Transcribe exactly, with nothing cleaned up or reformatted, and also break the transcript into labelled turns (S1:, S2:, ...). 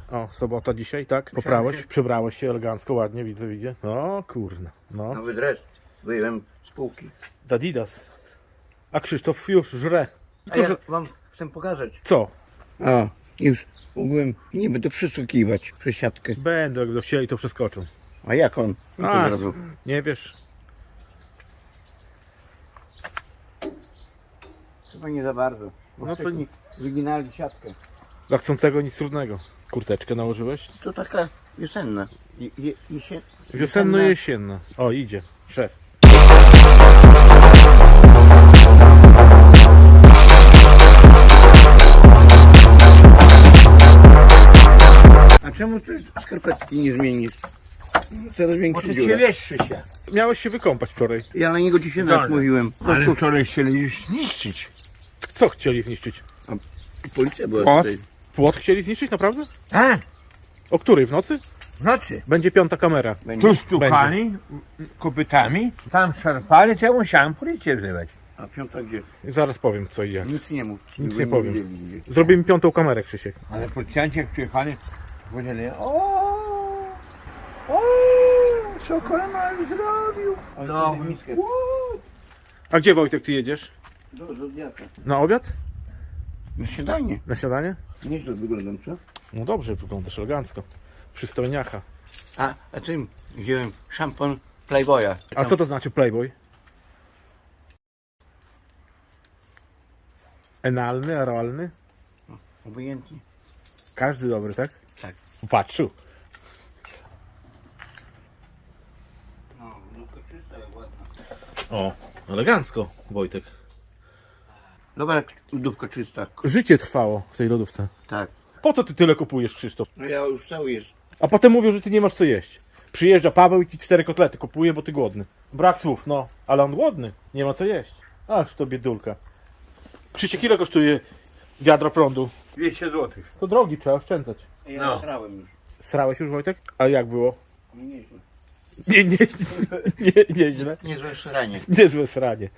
S1: O, sobota dzisiaj, tak? Poprałeś, przebrałeś się elegancko, ładnie, widzę, widzę. O, kurna, no.
S2: Nowy dres. Wyjąłem z półki.
S1: Adidas. A Krzysztof już żre.
S2: A
S1: Tylko,
S2: ja
S1: że...
S2: wam chcę pokazać.
S1: Co?
S2: A, już mogłem nie będę przysługiwać przez siatkę.
S1: Będę, jak do chcieli, to przeskoczą.
S2: A jak on? No to
S1: A,
S2: od razu.
S1: nie wiesz.
S2: Chyba nie za bardzo. Bo
S1: No to
S2: wcześniej wyginali siatkę.
S1: Dla chcącego nic trudnego. Kurteczkę nałożyłeś?
S2: To taka wiosenna. Je, je, jesie,
S1: Wiosenno-jesienna. O, idzie. Szef.
S2: A czemu ty skarpetki nie zmienisz? Coraz
S3: Bo
S2: większy
S3: ty
S2: dziura.
S3: cię wieszczy się.
S1: Miałeś się wykąpać wczoraj.
S2: Ja na niego dzisiaj nawet
S3: Dobra.
S2: mówiłem. Po
S3: Ale
S2: prostu
S3: wczoraj chcieli już zniszczyć.
S1: Co chcieli zniszczyć?
S2: policja była
S3: O.
S2: tutaj.
S1: Płot chcieli zniszczyć, naprawdę?
S3: A,
S1: O której? W nocy?
S3: w nocy.
S1: Będzie piąta kamera.
S2: Będzie.
S3: Tu stukali kopytami, tam szarpali, to ja musiałem policję wzywać.
S2: A piąta gdzie?
S1: Zaraz powiem, co i jak.
S2: Nic nie mów.
S1: Nic
S2: Żeby
S1: nie powiem.
S2: wiedzieli, gdzie.
S1: Zrobimy piątą kamerę, Krzysiek.
S3: Ale policjanci jak przyjechali, powiedzieli, o, o, co koronel zrobił?
S2: Ale
S3: No,
S2: wtedy miskę.
S1: A gdzie, Wojtek, ty jedziesz?
S2: Do Zodiaka.
S1: Na obiad?
S2: Na śniadanie.
S1: Na śniadanie?
S2: Nieźle wyglądam, co?
S1: No dobrze, wyglądasz elegancko. Przystojniacha.
S2: A, a tym wziąłem szampon Playboya.
S1: A co to znaczy Playboy? Enalny, oralny?
S2: Obojętnie.
S1: Każdy dobry, tak?
S2: Tak.
S1: Patrzył.
S2: No, lubka czysta, jak ładna.
S1: O, elegancko, Wojtek.
S2: Dobra, lodówka czysta.
S1: Życie trwało w tej lodówce.
S2: Tak.
S1: Po co ty tyle kupujesz, Krzysztof?
S2: No ja już cały jest.
S1: A potem mówią, że ty nie masz co jeść. Przyjeżdża Paweł i ci cztery kotlety kupuje, bo ty głodny. Brak słów, no. Ale on głodny, nie ma co jeść. Aż to biedulka. Krzysiek, ile kosztuje wiadro prądu?
S3: dwieście złotych.
S1: To drogi, trzeba oszczędzać.
S2: Ja
S3: No.
S2: nasrałem już.
S1: Srałeś już, Wojtek? A jak było?
S2: Nieźle.
S1: Nie, nie, nie, nieźle.
S2: Niezłe sranie.
S1: Niezłe sranie.